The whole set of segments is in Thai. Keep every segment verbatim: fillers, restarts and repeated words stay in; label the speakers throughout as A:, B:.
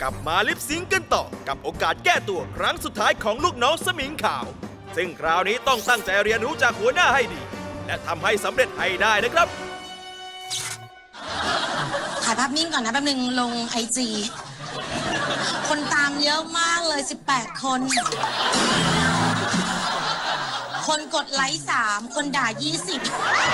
A: ลับมาลิปซิงค์กันต่อกับโอกาสแก้ตัวครั้งสุดท้ายของลูกน้องสมิงขาวซึ่งคราวนี้ต้องตั้งใจเรียนรู้จากหัวหน้าให้ดีและทำให้สำเร็จให้ได้นะครับ
B: ถ่ายภาพนิ่งก่อนนะแป๊บนึงลงไอจีคนตามเยอะมากเลยสิบแปดคนคนกดไลค์สามคนด่ายี่สิบ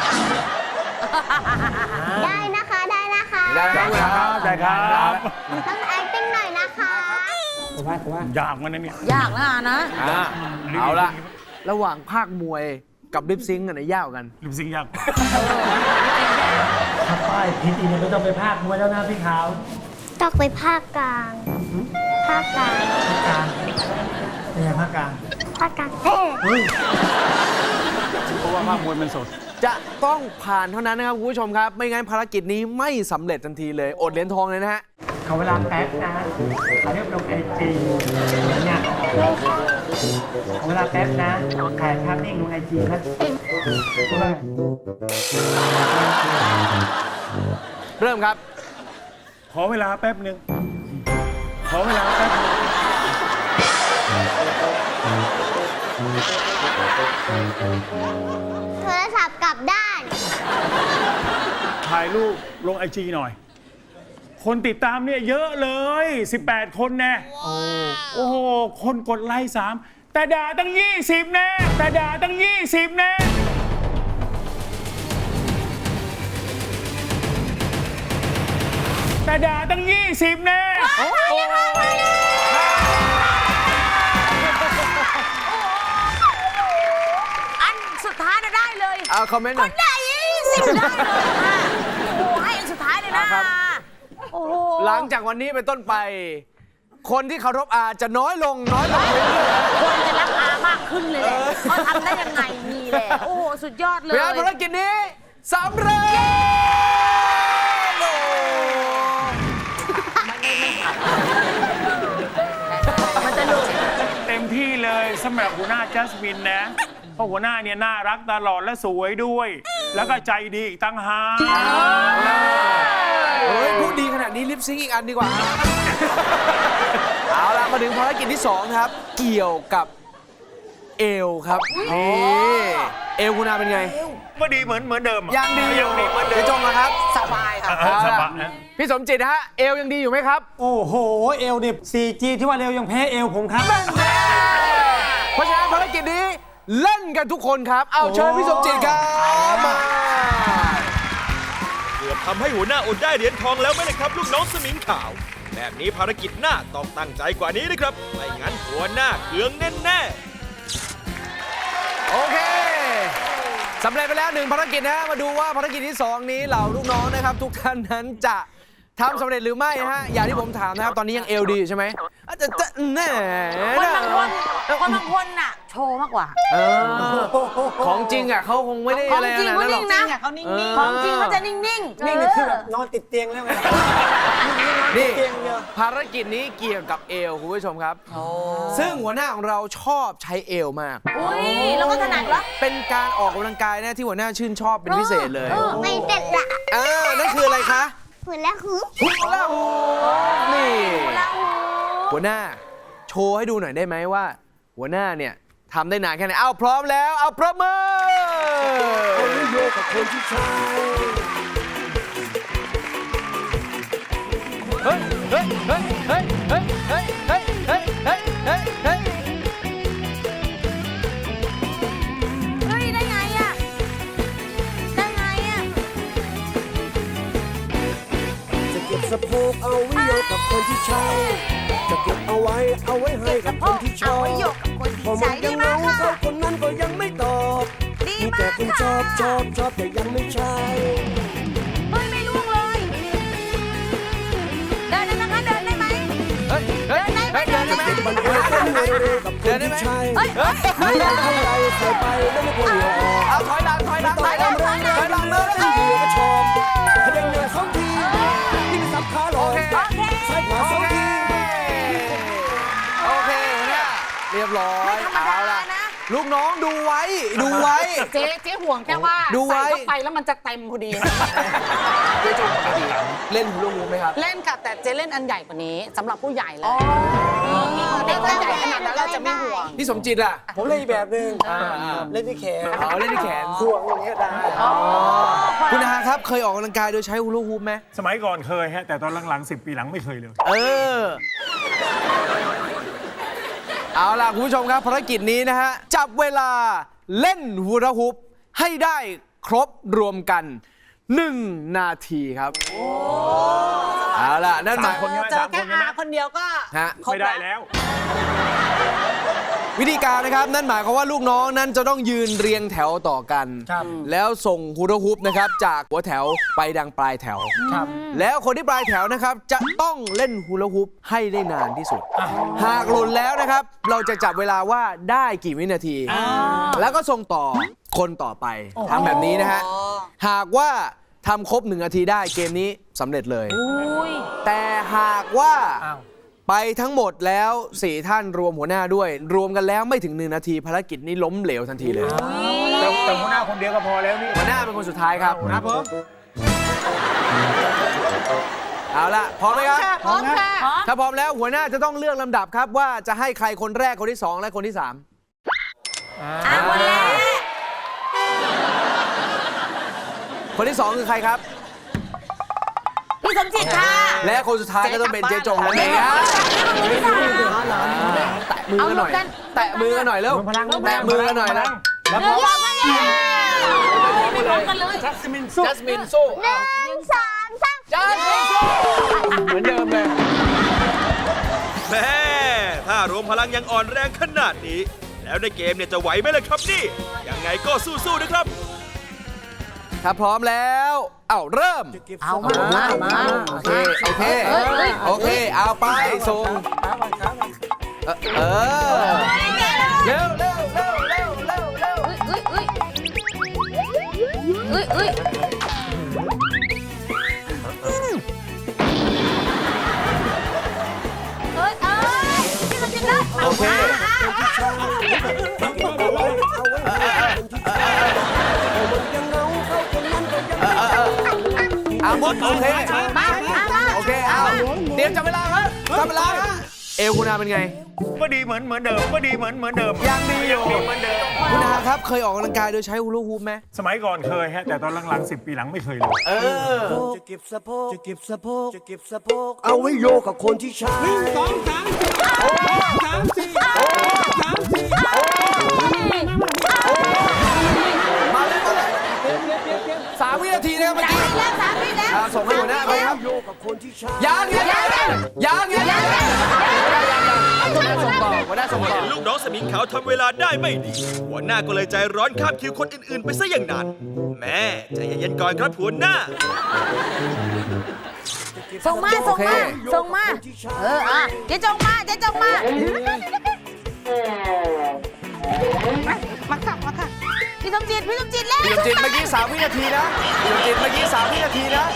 C: ได้นะคะได้นะคะ
D: ได้ครับได้ครับ
C: ต้อง acting หน่อยนะคะ
D: ผมว่าผมว่ายากมันนะเนี่ย
E: ยากนะนะ
D: อ่าเอาละระหว่างภาคมวยกับลิปซิงค์อันไหนยากกว่ากัน
F: ลิปซิงค์ยาก
G: ถ้าป้ายผิดอีกไม่ต้องไปภาคมวยแล้วนะพี่ขาว
C: ต้องไปภาคกลางภาคกลาง
G: ภาคกลางเป็นไงภาคกลาง
C: ภาคกลางเฮ้ย
F: เพราะว่าภาคมวยมันสด
D: จะต้องผ่านเท่านั้นนะครับคุณผู้ชมครับไม่งั้นภารกิจนี้ไม่สำเร็จทันทีเลยอดเหรียญทองเลยนะฮะ
G: ขอเวลาแป๊บนะเขาเรียกลงไอจีอย่างเงี้ยขอเวลาแป๊บนะถ่ายภาพนิ่งลงไอจีนะ
D: เริ่มครับ
F: ขอเวลาแป๊บหนึ่งขอเวลาแป๊บนึง
C: โทรศัพท์กลับด้าน
F: ถ่ายรูปลงไอจีหน่อยคนติดตามเนี่ยเยอะเลยสิบแปดคนแน่โอ้โหคนกดไลค์สามแต่ด่าตั้งยี่สิบแน่แต่ด่าตั้งยี่สิบแน่แต่ด่าตั้งยี่สิบแน่
E: อันสุดท้ายได้เลย
D: เอาคอมเมนต์หน่อย
E: คนด่ายี่สิบได้เลยค่ะโอ้ให้อันสุดท้ายเลยนะโอ้โห
D: หลังจากวันนี้เป็นต้นไปคนที่เคารพอาจะน้อยลงน้อยลงเรื่อย
E: ๆคนจะรักอามากขึ้นเลยแหละเขาทำได้ยังไงนี่แหละโอ้โหสุดยอดเลย
D: เพื่อภารกิจนี้สำเร็จ
E: มันจะหลุด
F: เต็มที่เลยสำหรับหัวหน้าจัสมินนะเพราะหัวหน้าเนี่ยน่ารักตลอดและสวยด้วยแล้วก็ใจดีอีกตั้งหาก
D: เฮ้ยพูดดีขนาดนี้ลิปซิงค์อีกอันดีกว่าเอาล่ะมาถึงภารกิจที่สองครับเกี่ยวกับเอวครับนี่เอวคุณอาเป็นไง
F: ก็ดีเหมือนเหมือนเดิม
D: ยังดีอยู่
F: เหมือนเดิม
D: พี่จงนะครับ
E: สบายครับ
F: สบาย
D: พี่สมจิตฮะเอวยังดีอยู่ไหมครับ
G: โอ้โหเอวเนี่ย ซี จี ที่ว่าเร็วยังแพ้เอวผมครับ
D: เพราะฉะนั้นภารกิจนี้เล่นกันทุกคนครับเอาเชิญพี่สมจิตครับมา
A: เกือบทำให้หัวหน้าอดได้เหรียญทองแล้วไหมนะครับลูกน้องสมิงขาวแบบนี้ภารกิจหน้าต้องตั้งใจกว่านี้นะครับไม่งั้นหัวหน้าเคืองแน่
D: ๆโอเคสำเร็จไปแล้วหนึ่งภารกิจนะมาดูว่าภารกิจที่สองนี้เหล่าลูกน้องนะครับทุกท่านนั้นจะทำสำเร็จหรือไม่ฮะอย่างที่ผมถามนะครับตอนนี้ยังเอลดีใช่ไหมอาจจะแน่
E: คนบางคนคนบางคนน่ะโชว์มากกว่า
D: ของจริงอ่ะเขาคงไม่ได้อะไรนะ
E: ของจริงเขานิ่งนะ
B: เขานิ่ง
E: ของจริงเขาจะนิ่งๆ
G: นิ่งคือแบบนอนติดเตียงแล้วไง
D: นี่ภารกิจนี้เกี่ยวกับเอวคุณผู้ชมครับซึ่งหัวหน้าของเราชอบใช้เอวมาก
E: อุ้ยแล้วก็ถนัดวะ
D: เป็นการออกกำลังกายนะที่หัวหน้าชื่นชอบเป็นพิเศษเลย
C: ไม่เด็ดละ
D: อ่านั่นคืออะไรคะ
C: หุ่นละหู
D: หุ่นละหูนี่หัวหน้าโชว์ให้ดูหน่อยได้ไหมว่า หัวหน้าเนี่ยทำได้นานแค่ไหนเอาพร้อมแล้วเอาประเมินคนที่โยกกับคนที่ใช้เฮ้ยเฮ้ยเฮ้ยเฮ้ยเฮ้ยเฮ้ยเฮ้ยเฮ้ยเฮ้ยเฮ้ยเฮ้ย
E: เฮ้ยได้ไงอะได้ไงอะ
H: จะเก็บสะโพกเอาไว้โยกกับคนที่ใช้จะเก็บเอาไว้เอาไว้ให้กับคนที่ชอบพอมันยังเมาเขาคนนั้นก็ยังไม่ตอบมีแต่คนชอบชอบชอบแต่ยังไม่ใช่
E: เฮ้ยไม่ล่วงเลยเดินได้ไหมคะเดินได้ไหม
D: เฮ้ยเฮ้ยเฮ้ยเดินได้ไหม
H: มันเดินได้ไหมกับคนที่ใช่ไม่ได้ทำอะไรใส่ไปแล้วไม่ควรหลอก
D: เอาถอยหลังถอยหลังถอยหลังถอยหลังถอยหลังเลย
H: ที่อยู่ก็ชอบถ้าเดินเหนื่อยสองทีที่ไม่สับขาหลอกใส่ขาสองที
D: โอเคเนี่ยเรียบร้อยเอาล่ะลูกน้องดูไว้ ดูไว้
E: เจ๊เจ๊ห่วงแค่ว่า
D: ดูไว้
E: ใส่เข้าไปแล้วมันจะเต็มพอดี
D: เจ๊จงปกติเล่นฮูลาฮูปไหมครับ
E: เล่นค่ะแต่เจ๊เล่นอันใหญ่กว่านี้สำหรับผู้ใหญ่แล้วเด็กอันใหญ่ขนาดนั้นเราจะไม่ห่วง
D: พี่สมจิตอ่ะ
H: ผมเล่นอีกแบบหนึ่ง
D: อ่าอ่า
H: เล่นที่แขน
D: อ๋อเล่นที่แขน
H: ห่วงอย่างเงี้ยได้
D: คุณอาครับเคยออกกำลังกายโดยใช้ฮูลาฮูปไหม
F: สมัยก่อนเคยฮะ แต่ตอนหลังๆสิบปีหลังไม่เคยเลย
D: เออ เอาล่ะคุณผู้ชมครับภารกิจนี้นะฮะ จับเวลาเล่นฮูลาฮูปให้ได้ครบรวมกันหนึ่งนาทีครับเอาล่ะนั่นหมาย
F: สามคนใช่ไหม
E: เจอแค่อาคนเดียวก็
D: ฮะ
E: ครบ
F: ไม่ได้แล้ว
D: วิธีการนะครับนั่นหมายความว่าลูกน้องนั้นจะต้องยืนเรียงแถวต่อกัน
H: ครับ
D: แล้วส่งฮูลาฮูปนะครับจากหัวแถวไปดังปลายแถว
H: ครับ
D: แล้วคนที่ปลายแถวนะครับจะต้องเล่นฮูลาฮูปให้ได้นานที่สุด หากหล่นแล้วนะครับ เราจะจับเวลาว่าได้กี่วินาที แล้วก็ส่งต่อคนต่อไปทำแบบนี้นะฮะหากว่าทำครบหนึ่งนาทีได้เกมนี้สำเร็จเลย แต่หากว่า
H: อ้าว
D: ไปทั้งหมดแล้วสี่ท่านรวมหัวหน้าด้วย รวมกันแล้วไม่ถึงหนึ่งนาทีภารกิจนี้ล้มเหลวทันทีเลย
F: แต่แต่หัวหน้าคนเดียวก็พอแล้วนี่
D: หัวหน้าเป็นคนสุดท้ายครับ
H: ครับผม
D: เอาละพร้อมไหมครับ
E: พร้อมค่ะ
D: ถ้าพร้อมแล้วหัวหน้าจะต้องเลือกลำดับครับว่าจะให้ใครคนแรกคนที่สองและคนที่สาม
E: อ่าคนแรก
D: คนที่สองคือใครครับ
E: พี่สมจิตค่ะ
D: และคนสุดท้ายก็ต้องเป็นเจ๊จงนั่นเองครับแตะมือกันหน่อย แตะมือกันหน่อยแล้ว
H: พลัง
D: แตะมือกันหน่อยแล้ว
H: แล้ว
E: พร้อมกันเลยไม่พร้อมกันเลย
H: จัสมินสู้
D: จัสมินสู้
C: หนึ่งสองสาม
D: จัสมินสู้เหมือนเดิมเลย
A: แม่ถ้ารวมพลังยังอ่อนแรงขนาดนี้ แล้วในเกมเนี่ยจะไหวไหมล่ะครับนี่ ยังไงก็สู้ๆนะครับ
D: ถ้าพร้อมแล้ว เอ้าเริ่ม
E: เอามามามา
D: โอเค โอเค โอเค เอาไป ส่ง เออเออเร็วเร็วเร็วเร็วเร็วเร็ว
E: เอ้ยเอ้ยเอ้ยเอ้ยเอ้ยเอ้ยพี่สมจิตเลย
D: โอเค เอาหมดโอเค
E: มามามา
D: โอเค เอา เตรียมจับเวลาครับจับเวลาฮะเอวคุณอาเป็นไง
F: ก็ดีเหมือนเหมือนเดิม ก็ดีเหมือนเหมือนเดิม
D: ยังดีอยู่
F: ดีเหมือนเดิม
D: คุณอาครับ เคยออกกำลังกายโดยใช้ฮูลาฮูปไหม
F: สมัยก่อนเคยฮะ แต่ตอนหลังๆสิบปีหลังไม่เคยเลย
D: เออ
H: จะเก็บสะโพกจะเก็บสะโพกจะเก็บสะโพกเอาไว้โยกกับคนที่ใช้หนึ่งสองสามสี่สามสี่สามสี่
D: มาเลยมาเลยสามวินาทีนะครับเมื่อกี้
E: แล้วสามพี่แล้ว
D: อ่าส่งให้หัวหน้าไปครับ
H: โยกกับคนที่ใช้
D: ยังยังยังยังยังยังหัวหน้าส่งต่อหัวหน้าส่งต่อ
A: เห็นลูกน้องสมิงขาวทำเวลาได้ไม่ดี หัวหน้าก็เลยใจร้อนข้ามคิวคนอื่น ๆ ไปซะอย่างนั้น แม่ใจเย็นๆก่อนครับหัวหน้า
E: ส่งมาส่งมาส่งมา เอออ่ะเจ๊จงมาเจ๊จงมามาค่ะมาค่ะพี่สมจิตพี่สมจิตแล้ว
D: พี่สมจิตเมื่อกี้สามวินาทีนะพี่สมจิตเมื่อกี้สามวินาทีนะ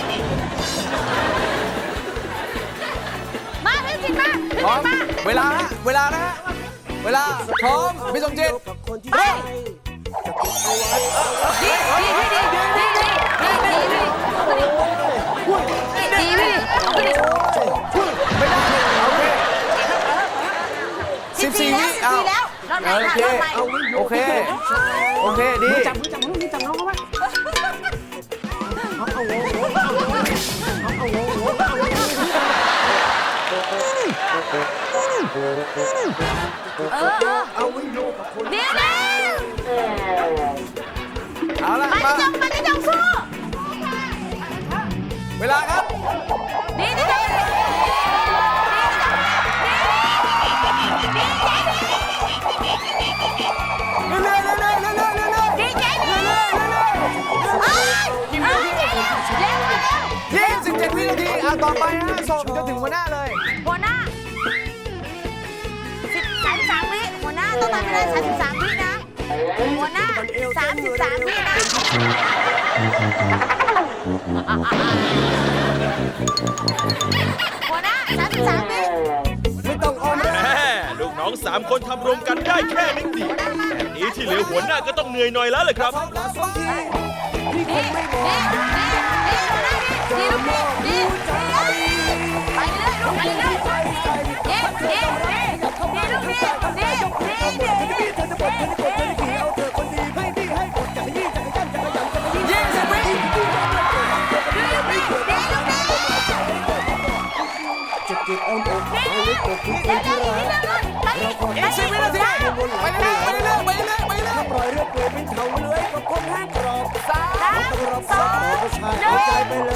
E: มาพี่สมจิตมาพี่
D: พร้อ
E: ส
D: ม
E: มจิตมา
D: เวลาฮะเวลานะฮะเวลาพร้อมพี่สมจิต
H: กับคนที่
E: เฮ้
H: ใช้
E: ยดีดีดีดีดีดีดีดีดีดีเอาไปดิ
D: ไม่ได้โอเคสิบสี่วิ
E: ดี
D: เอา
E: แล้วรอบไหน
D: โอ
E: ค่ะ
D: เค
E: รอบไหน
D: โอเคโอเคดี
E: จับมือจับมือจับน้องเขาไว้เออเออ
H: เอาไว้โยกกับคน
E: เดี๋ยวเดี๋ยว
D: เอาละ
E: มา
D: มา
E: ที่จงมาที่จงสู้
D: เวลาครับ
E: ดีดีดี
D: เรื่อยๆเรื่อยๆเรื่อยๆเรื่อยๆเรื่อยๆ
E: ดีเจ๊ดีเอ้ยเอ้ยเจ๊เร็วเร็ว
D: ยี่สิบเจ็ดวินาทีอ่ะต่อไปฮะส่งจะถึงหัวหน้าเลย
E: หัวหน้าสิบสามสามวิหัวหน้าต้องทำให้ได้สามสิบสามวินะหัวหน้าสามสิบสามวินะหัวหน้าสามสิบสามวิ
H: ไม่ต้องอ้อม
A: แม่ลูกน้องสามคนทำรวมกันได้แค่นิดเดียวแบบนี้นี้ที่เหลือหัวหน้าก็ต้องเหนื่อยหน่อยแล้วเลยครับ
H: ที่คงไม่บอก
E: ดีลูกดีดีไปเรื่อยลูกไปเรื่อยดีดีดีลูกดีดีดีดี
H: เธอจะปลดเธอจะปลดเธอจะขี่เอาเธอคนดีให้ดีให้กดจักรยี่จักรยันจักรยันจักรยี่
D: ยี่สิบวิ
H: จะเก็บอ้อมอกเอาไว้กดทุกคนที่รักเราขอ
D: อีกสิบวินาทีไปเรื่อยไปเรื่อยไปเรื่อยไปเรื่อย
H: ปล่อยเรื่องเปลือยเป็นเถาเลื้อยกับคนแห้งกรอบ
D: สาม
H: ต้องรับสายผู้ชายเอาใจไปเลย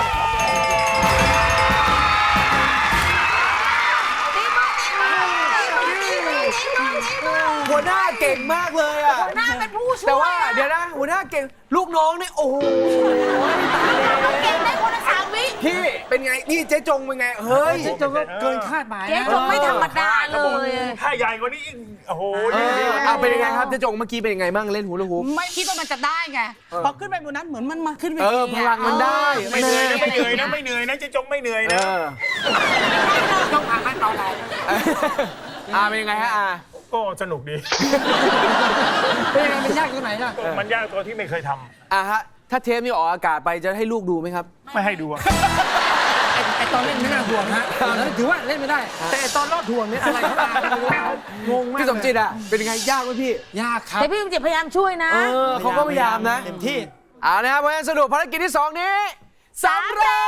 D: หัวหน้าเก่งมากเลยอ่ะ
E: หน้าเป็นผู้ช่วย
D: แต่ว่าเดี๋ยวนะหัวหน้าเก่งลูกน้องนี่โอ้โห
E: เก่งได้คนละสามวิ
D: พี่เป็นไงนี่เจ๊จงเป็นไงเฮ้ย
G: เจ๊จงก็เกินคาดหมาย
E: เจ๊
G: นะ
E: จงไม่ธรรมดาเลย
F: ถ้าใหญ่กว่านี้อีกโอ้โห
D: เออเอาเป็นยังไงครับเจ๊จงเมื่อกี้เป็นยังไงบ้างเล่นฮูลาฮูป
E: ไม่คิดว่ามันจะได้ไงพอขึ้นไปบนนั้นเหมือนมันมาขึ้นไป
D: เออพลังมันได้
F: ไม่เหนื่อยนะไม่เหนื่อยนะไม่เหนื่อยนะเจะจงไม่เหนื่อย
D: เอ
F: นะ
D: อ
G: ต้องผ่านขั้นตอนไหน
D: อ่าเป็นยังไงฮะอ่า
F: ก็สนุกดี
G: เป็นยังไงมันยากตรงไหนล่ะ
F: มันยากตัวที่ไม่เคยทำ
D: อ่าฮะถ้าเทปนี้ออกอากาศไปจะให้ลูกดูไหมครับ
F: ไม่ให้ดูอะ
G: ไอ้ไอ้ตอนเล่นไม่น่าห่วงฮะแล้วถือว่าเล่นไม่ได้ แต่ไอ้ตอนรอดห่วงเนี่ยอะไรเข้ามาไม่รู้งงมาก
D: พี่สมจิตอ่ะเป็นยังไงยากไหมพี่
G: ยากครับ
E: แต่พี่สมจิตพยายามช่วยนะ
D: เออเขาก็พยายามนะ
G: เต็มที่
D: เอานะครับเพราะฉะนั้นสรุปภารกิจที่สองนี้สำเร็จ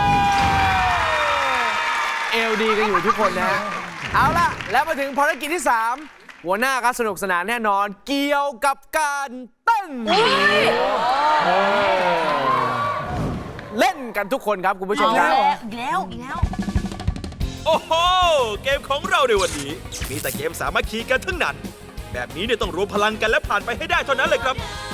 D: เอลดีกันอยู่ทุกคนนะฮะเอาล่ะแล้วมาถึงภารกิจที่สามหัวหน้าก็สนุกสนานแน่นอนเกี่ยวกับการเต้นเล่นกันทุกคนครับคุณผู้ชมครับ
E: อีกแล้วอีกแล้ว
A: โอ้โห เกมของเราในวันนี้ มีแต่เกมสามัคคีกันทั้งนั้น แบบนี้เนี่ยต้องรวมพลังกันและผ่านไปให้ได้เท่านั้นเลยครับ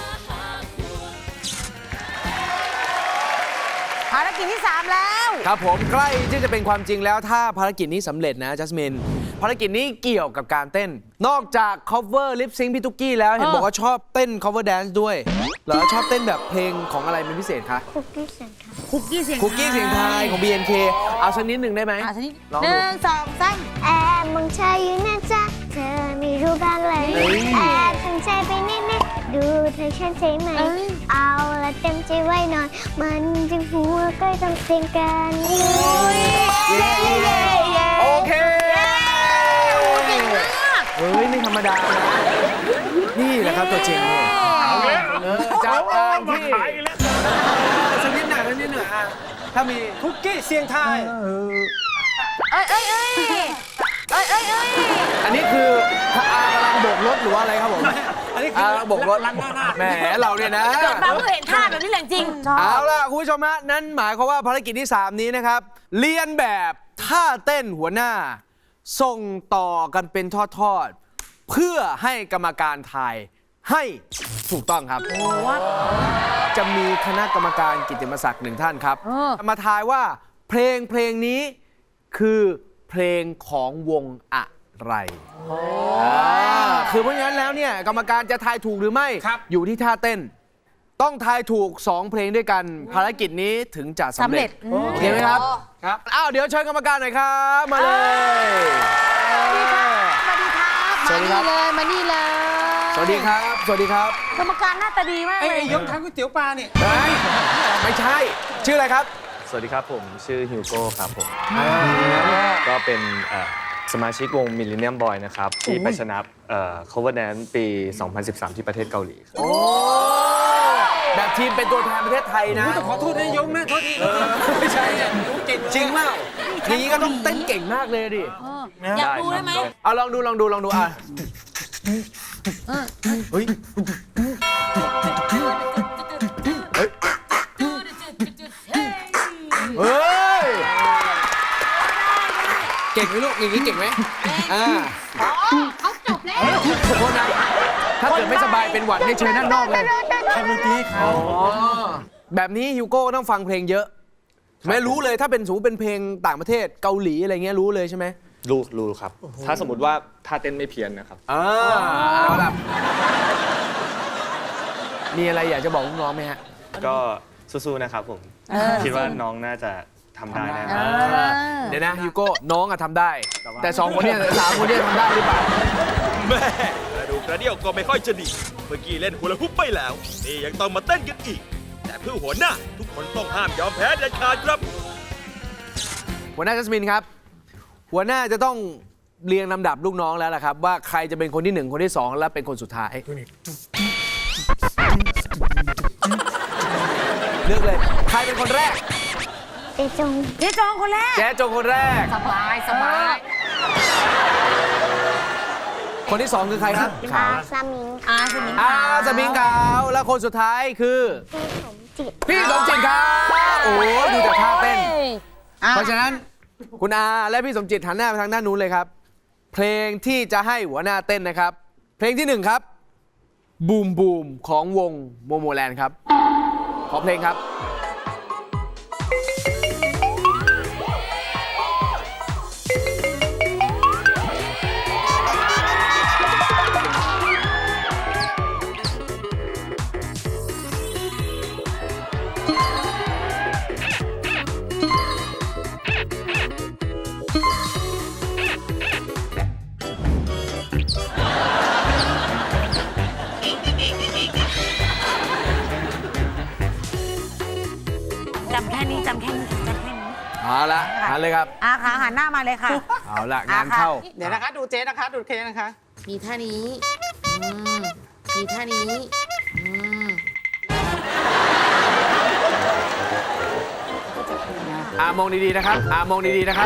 E: ภารกิจที่สามแล้ว
D: ครับผมใกล้ที่จะเป็นความจริงแล้วถ้าภารกิจนี้สำเร็จนะจัสมินภารกิจนี้เกี่ยวกับการเต้น นอกจาก cover lip sync พี่ตุ๊กกี้แล้วเห็นบอกว่าชอบเต้น cover dance ด้วยเหรอชอบเต้นแบบเพลงของอะไรเป็นพิเศษคะ
C: คุกกี้เสียงค่ะ
E: คุกกี้เสียง
D: คุกกี้เสียงไทยของ บี เอ็น เค เอาสักนิดหนึ่งได้ไหม
E: อ่ะทีนี้
D: ลอง
E: ห
D: ดู
E: นึ่งสองสาม
C: แอบมองเธออยู่นะจ๊ะเธอไม่รู้บ้างเลยแอบตั้งใจไปนิดๆดูเธอฉันใช่ไหม เอาละเต็มใจไว้หน่อย มันจึงหัวใกล้ต้องเสียงกัน
E: เย้เย้เย้
D: โอเค
E: เก่งมาก
D: เฮ้ยไม่ธรรมดานะนี่แหละครับตัวจริงเนี่ย
F: เอาแล้ว
D: เออจากการ
F: มา
D: ที่
F: ขายอีกแล้ว
D: สักนิดหน่อยสักนิดหน่อยอ่ะถ้ามี
G: คุกกี้เสียงไทย
E: เอ้ยเอ้ยเอ้ยเอ้ยเอ้ยเอ้ย
D: อันนี้คือถ้าอากำลังโบกรถหรือว่าอะไรครับผม
G: อันนี้
D: อา
G: คือ
D: โบกรถ
G: ลันหน้าหน้า
D: แหมเราเนี่ยนะ
E: เกิดมาเพิ่งเห็นท่าแบบนี้แหละจริง
D: เอาล่ะคุณผู้ชมฮะนั่นหมายความว่าภารกิจที่ สาม นี้นะครับ เรียนแบบท่าเต้นหัวหน้า ส่งต่อกันเป็นทอดๆ เพื่อให้กรรมการทายให้ถูกต้องครับ จะมีคณะกรรมการกิตติมศักดิ์หนึ่งท่านครับ
E: เออ
D: มาทายว่าเพลงเพลงนี้คือเพลงของวงอะไรอ่าคือเพราะงั้นแล้วเนี่ยกรรมการจะทายถูกหรือไม่ อยู่ที่ท่าเต้น ต้องทายถูก สอง เพลงด้วยกัน ภารกิจนี้ถึงจะสำ
E: สำ
D: เร็
E: เร็
D: จ
E: จ
D: โอเคไหมครับ ครับ อ้าว เดี๋ยวเชิญกรรมการหน่อยครับ มาเลย
E: สวัสดีครับ
D: สวั
E: มา
D: สดีครั
E: นี่
D: บ
E: เลยมานี่เลย
D: สวัสดีครับ สวัสดีครับ
E: กรรมการหน้าตาดีมาก
G: ไอ้
E: เลย
G: ไอ้ยกทางก๋วยเตี๋ยวปลาเนี่ย
D: เฮ้ยไม่ใช่ ชื่ออะไรครับ
I: สวัสดีครับผมชื่อฮิวโก้ครับผม ก็เป็นเอ่อสมาชิกวง Millennium Boy นะครับ ที่ไปชนะเอ่อ Cover Dance ปี สองพันสิบสาม ที่ประเทศเกาหลีครับ
D: โอ้ แบบทีมเป็นตัวแทนประเทศไทยนะ
G: ต้องขอโทษนะยกนะโทษที
D: ไม่ใช่
G: รู้เก่งเลย
D: จริงเปล่าอย่างนี้ก็ต้องเต้นเก่งมากเลยดิ
E: อยากดูได้ไหม
D: เอาลองดูลองดูลองดูอ่ะเฮ้ย เฮ้ย เก่งไหมลูกอย่างนี้เก่งไหมอ่า
E: เขาจบแล้ว
D: ขอโทษนะถ้าเกิดไม่สบายเป็นหวัดให้เชิญด้านนอกเลย
G: ทำดนตรีให้เขา
D: อ๋อ แบบนี้ฮิวโก้ต้องฟังเพลงเยอะ ไม่รู้เลยถ้าเป็นสูเป็นเพลงต่างประเทศเกาหลีอะไรเงี้ยรู้เลยใช่ไหม
I: รู้รู้ครับ ถ้าสมมติว่าท่าเต้นไม่เพี้ยนนะครับ
D: อ่าเอาล่ะมีอะไรอยากจะบอกลูกน้องไหมฮะ
I: ก็สู้ๆนะครับผม คิดว่าน้องน่าจะทำได้แน่
E: เออ
D: เดี๋ยวนะฮิวโก้น้องอะทำได้ แต่สองคนเนี้สามคนเนี้ทำได้หรือเปล่า
A: แม่มาดูกระเดี่ยวก็ไม่ค่อยจะดี เมื่อกี้เล่นฮูลาฮูปไปแล้ว นี่ยังต้องมาเต้นกันอีก แต่เพื่อหัวหน้าทุกคนต้องห้ามยอมแพ้เด็ดขาดครับ
D: หัวหน้าจัสมินครับ หัวหน้าจะต้องเรียงลำดับลูกน้องแล้วล่ะครับ ว่าใครจะเป็นคนที่หนึ่งคนที่สองและเป็นคนสุดท้ายเลือกเลยใครเป็นคนแรก
C: เจจง
E: เจ๊จองคนแรก
D: แจ๊จงคนแรก
E: สบายสบาย
D: คนที่สองคือใครครับ
C: อาซามิง
E: อาสมิง
D: อาสมิงขาวและคนสุดท้ายคือ
C: พี่สมจิต
D: พี่สมจิตครับโอ้โหดูจากท่าเต้น
E: อ่ะ
D: เพราะฉะนั้นคุณอาและพี่สมจิตหันหน้าไปทางด้านนู้นเลยครับ เพลงที่จะให้หัวหน้าเต้นนะครับ เพลงที่หนึ่งครับบูมบูมของวงโมโมแลนด์ครับขอเพลงครับ
E: จำแค่นี้จำแค่นี้จำแค่นี้
D: เอาละหันเลยครับ
E: อาขาหันหน้ามาเลยค่ะ
D: เอาละงานเข้า
J: เดี๋ยวนะคะ ดูเจ๊นะคะ ดูเคนะคะ
E: มีท่านี้อืมมีท่านี้อืม
D: อามองดีๆนะครับ อามองดีๆนะครับ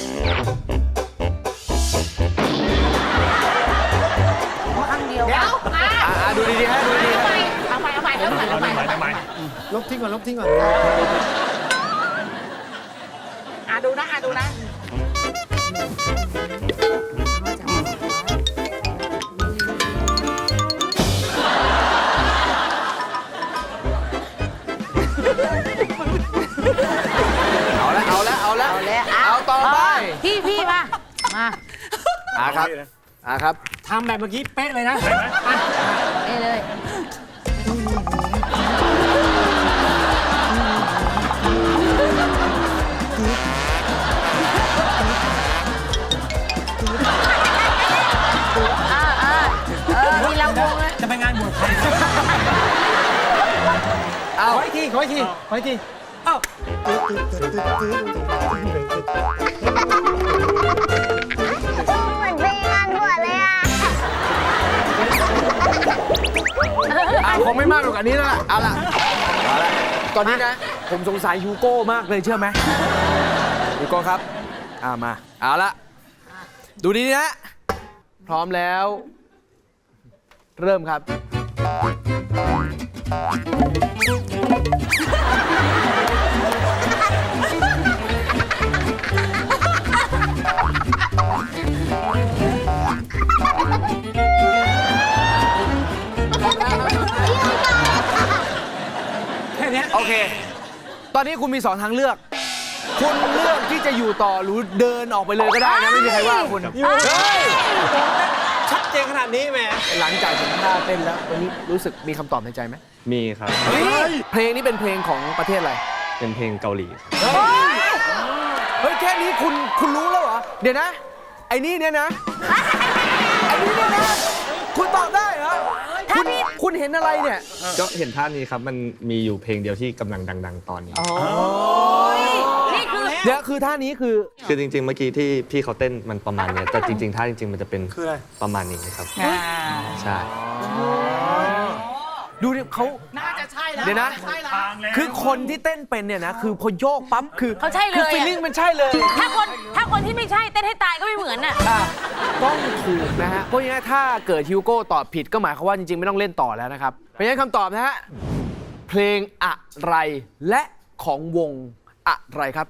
E: ข้างเดียว
J: เดี๋ยว
D: อาอาดูดีๆฮะดูดีๆฮะ
E: เอาไปเอาไปเอาไปเอาไปเอาไป
J: ลบทิ้งก่อน ลบทิ้งก่อน อ่ะดูนะ อ่ะดูนะ
D: เอาละเอาละเอาละ
E: เอาแล้ว
D: เอาต่อไป
E: พี่พี่มา มา
D: อาครับอาครับ
J: ทำแบบเมื่อกี้เป๊ะเลยนะ
E: เอ้เลย อ่าอ่าเออมีลำวงเลย
J: จะไปงานบวชใคร
D: เอา
J: ขออีกที ขออีกที ขออีกที เอ้า
C: เหมือนไปงานบวชเลยอ่ะ
D: อ่ะคงไม่มากกว่านี้แล้วล่ะเอาละเอาละตอนนี้นะ ผมสงสัยฮูโก้มากเลยเชื่อไหมฮูโก้ครับอ่ามา เอาละดูดีๆนะ พร้อมแล้ว เริ่มครับ
J: แค่เนี้ย
D: โอเค ตอนนี้คุณมีสองทางเลือก คุณเลือกที่จะอยู่ต่อหรือเดินออกไปเลยก็ได้นะ ไม่มีใครว่าคุณเฮ้ย
J: ชัดเจนขนาดนี้แหม
D: หลังจากผมท่าเต้นแล้วตอนนี้รู้สึกมีคำตอบในใจไหม
I: มีครับ
D: เพลงนี้เป็นเพลงของประเทศอะไร
I: เป็นเพลงเกาหลีครับ
D: เฮ้ย แค่นี้คุณคุณรู้แล้วเหรอ เดี๋ยวนะ ไอ้นี่เนี่ยนะ ไอ้นี่เนี่ยนะ คุณตอบได้เหรอ คุณคุณเห็นอะไรเนี่ย
I: ก็เห็นท่านี้ครับ มันมีอยู่เพลงเดียวที่กำลังดัง ๆ ตอนนี้
E: นี่คือ
D: เดี๋ยวคือท่านี้คือ
I: คือจริง ๆ เมื่อกี้ที่พี่เขาเต้นมันประมาณเนี้ยแต่จริง ๆ ท่าจริง ๆ มันจะเป็น
J: คืออะไร
I: ประมาณนี้ครับ ใช่
D: ดูดิเขา
J: น่าจะใช่แล้ว
D: เดี๋ยวนะ
J: ใช่แล้ว
D: คือคนที่เต้นเป็นเนี่ยนะ คือพอโยกปั๊บ คือ
E: เขาใช่เลย
D: คือ
E: อะ
D: ฟีลลิ่งมันใช่เลย
E: ถ้าคนถ้าคนที่ไม่ใช่เต้นให้ตายก็ไม่เหมือนน่ะ
D: อ่ะต้องถูกนะฮะ เพราะงั้นถ้าเกิดฮิวโก้ตอบผิดก็หมายความว่าจริง ๆ ไม่ต้องเล่นต่อแล้วนะครับ เพราะฉะนั้นคำตอบนะฮะ เพลงอะไรและของวงอะไรครับ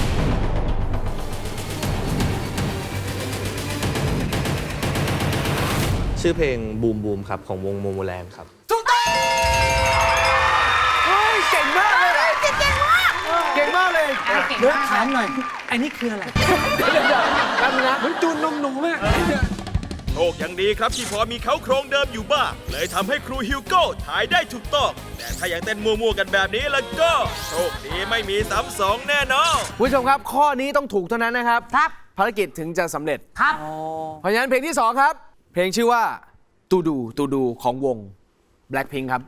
I: ชื่อเพลงบูมบูมครับ ของวงโมโมแลนด์ครับ
D: ถูกต้องเฮ้ยเก่งมากเลยเก่งมาก เก่งมากเลย
J: เดี๋ยวถามหน่อย ไอ้นี่คืออะไร
D: แป๊บนึงนะ
J: เหมือนจูนนมหนูมาก
A: โชคยังดีครับที่พอมีเขาโครงเดิมอยู่บ้าง เลยทำให้ครูฮิวโก้ถ่ายได้ถูกต้อง แต่ถ้ายังเต้นมั่วๆกันแบบนี้แล้วก็ โชคดีไม่มีซ้ำสองแน่นอน
D: คุณผู้ชมครับ ข้อนี้ต้องถูกเท่านั้นนะครับ
E: ครับ
D: ภารกิจถึงจะสำเร็จ
E: ครับ
D: เพราะฉะนั้นเพลงที่สองครับ เพลงชื่อว่าตูดูตูดูของวง Blackpink ครับ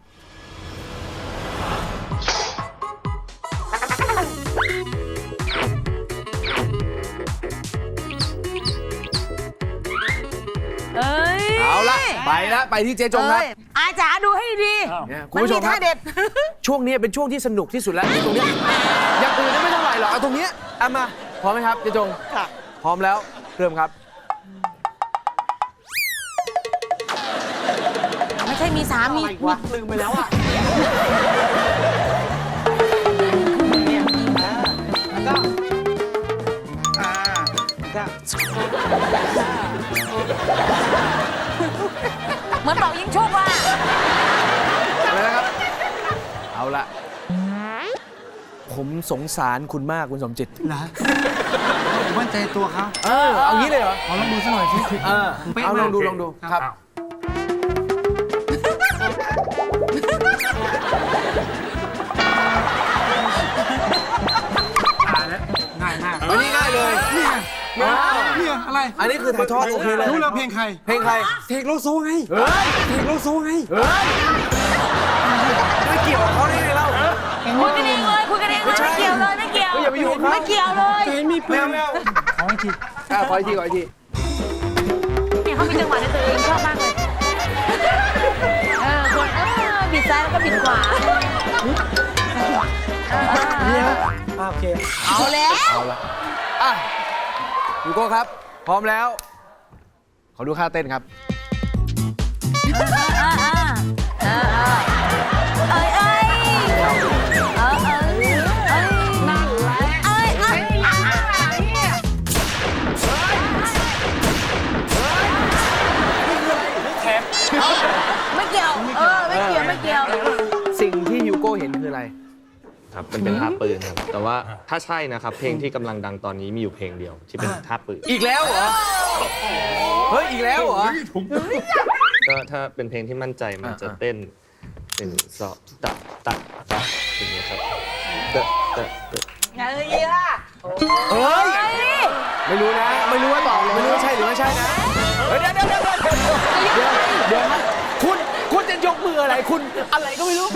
E: เอ้ย
D: เอาละไปละไปที่เจ๊จงครับ
E: เอ้ยอาจ๋าดูให้ดี
D: เนี่ยคุณ
E: มัน
D: ผู้ช
E: มี
D: มครั
E: ท่า
D: บ
E: เด็ด
D: ช่วงนี้เป็นช่วงที่สนุกที่สุดแล้วตรงเนี้ยอย่างอื่นไม่เท่าไหร่หรอกเอาตรงเนี้ยเอามาพร้อมไหมครับเจ๊จงค่ะพร้อมแล้วเริ่มครับ
E: ไม่ใช่มีสามี
J: อะไรวะลืมไปแล้วอ่ะแล้วก็อ่าแล้วก็
E: เหมือนเป่ายิงชุบว่ะ
D: อะไรนะครับ เอาละผมสงสารคุณมากคุณสมจิต
J: นะผมมั่นใจตัวเขา
D: เออเอางี้เลยเหรอ
J: ขอลองดูสักหน่อยสิ
D: เออเอาลองดูลองดูครับ
J: อ่านแล้วง่ายมาก
D: อันนี้ง่ายเลย
J: เนี่ย
D: อ้าว
J: เนี่ยอะไร
D: อันนี้คือถ่ายทอดโอเคเลย
J: รู้แล้วเพลงใคร
D: เพลงใคร
J: เทคโลโซไง
D: เฮ้ย
J: เทคโลโซไง
D: เฮ้ยไม่เกี่ยวกับเขาได้ไงเล่า
E: คุยกันเองเลยคุยกันเองเลย
D: ไม่ใช่
E: ไม่เกี่ยวเลยไม่เกี่ยว
D: อย่าไปยุ่งกับเขา
E: ไม่เกี่ยวเลย
J: เห็นมีปื
D: ไม่
J: น
D: เอาไม่เอา
J: ขออีกที
D: อ่ะขออีกทีขออีกที
E: เนี่ยเขามีจังหวะในตัวเองชอบมากเลยเออคนเออบิดซ้ายแล้วก็บิดขวาเออเออเอ
J: เนี่ย
E: อ
J: อ่าโอเค
E: เอาแล้ว
D: เอาละอ่ะยูโก้ครับ พร้อมแล้ว ขอดูท่าเต้นครับ
E: เออเออเออเอ้ยเอ้ยเออเออเอ้ยนั่นแหละเอ้ยเอ้ยไม่เกี่ยวเออไม่เกี่ยวไม่เกี่ยว
D: สิ่งที่ยูโก้เห็นคืออะไร
I: ครับมันเป็นท่าปืนครับแต่ว่าถ้าใช่นะครับเพลงที่กำลังดังตอนนี้มีอยู่เพลงเดียวที่เป็นท่าปืน
D: อีกแล้วเหรอ เฮ้ย อีกแล้วเหรอ
I: ก็ถ้าเป็นเพลงที่มั่นใจมันจะเต้นเป็นสอบตัดตัดตัดอย่างนี้ยครับเตะเตะเตะ
E: เฮ้ยล่ะ
D: เฮ้ย ไม่รู้นะ ไม่รู้ว่าตอบไม่รู้ว่าใช่หรือไม่ใช่นะ เฮ้ยเดี๋ยวเดี๋ยวเดี๋ยวเดี๋ยวเดี๋ยวเดี๋ยวนะคุณคุณจะยกมืออะไรคุณอะไรก็ไม่รู้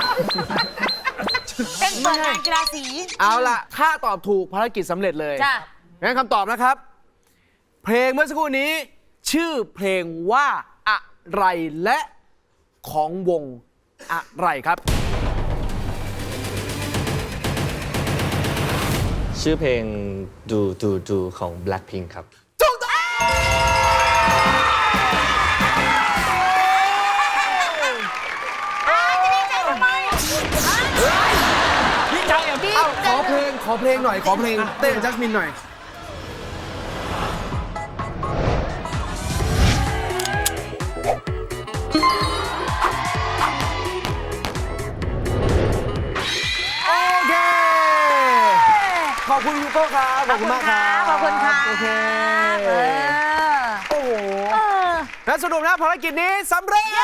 E: เป็นเปิดงานกีฬาสี
D: เอาล่ะ ถ้าตอบถูกภารกิจสำเร็จเลย
E: จ้ะ
D: งั้นคำตอบนะครับ เพลงเมื่อสักครู่นี้ ชื่อเพลงว่าอะไรและของวงอะไรครับ
I: ชื่อเพลงดูดูดูของ Blackpink ครับ
D: ถูกต้องดีใจอ่ะพี่ขอเพลง ขอเพลงหน่อย ขอเพลงเต้นจัสมินหน่อย โอเค ขอบคุณยูโก้ครับ ขอบคุณมากครับ
E: ขอบคุณค่ะ
D: โอเค
E: เออ
D: โอ้โห
E: เออ
D: และสรุปนะภารกิจนี้สำเร็จ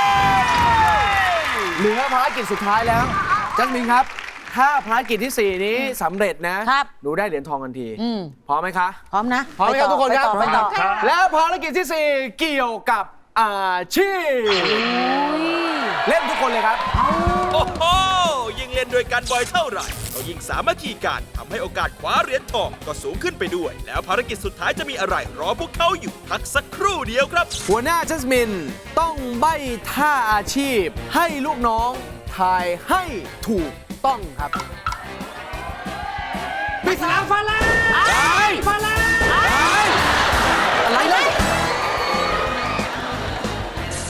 D: เหลือภารกิจสุดท้ายแล้ว จัสมินครับ ถ้าภารกิจที่ สี่ นี้สำเร็จนะครับ หนูได้เหรียญทองทันที
E: อืม
D: พร้อมไหมคะ
E: พร้อมนะ
D: พร้อมไหมครับทุกคนครับ
E: ไปต่อไปต่อ
D: แล้วภารกิจที่ สี่ เกี่ยวกับอาชีพ เล่นทุกคนเลยครับ
A: โอ้โห ยิ่งเล่นด้วยกันบ่อยเท่าไหร่ก็ยิ่งสามัคคีกันทำให้โอกาสคว้าเหรียญทองก็สูงขึ้นไปด้วย แล้วภารกิจสุดท้ายจะมีอะไรรอพวกเขาอยู่พักสักครู่เดียวครับ
D: หัวหน้าจัสมินต้องใบ้ท่าอาชีพ ให้ลูกน้องทายให้ถูกต้องครับ
J: ปริศนาฟ้าแล